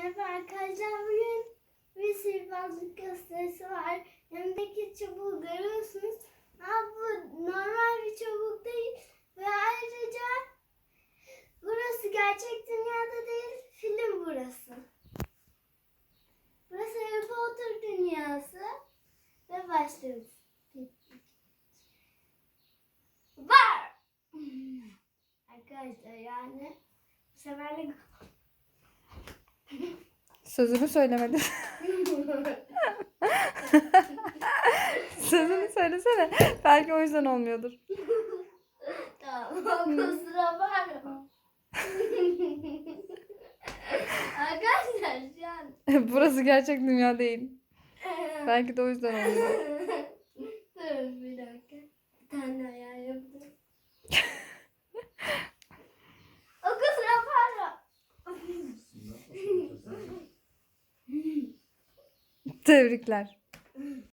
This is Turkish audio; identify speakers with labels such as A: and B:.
A: Merhaba arkadaşlar, bugün bir sihirbazlık gösterisi var. Yanındaki çubuğu görüyorsunuz. Ama bu normal bir çubuk değil. Ve ayrıca burası gerçek dünyada değil, film burası. Burası Harry Potter dünyası. Ve başlıyoruz. Var! Arkadaşlar yani bu seferlik
B: Sözünü söylemedin. Sözünü söylesene. Belki o yüzden olmuyordur.
A: Tamam, kusura bakma. Arkadaşlar şu an.
B: Burası gerçek dünya değil. Belki de o yüzden olmuyor.
A: Dur bir dakika. Bir tane ayar yaptım. O kusura bakma.
B: Tebrikler.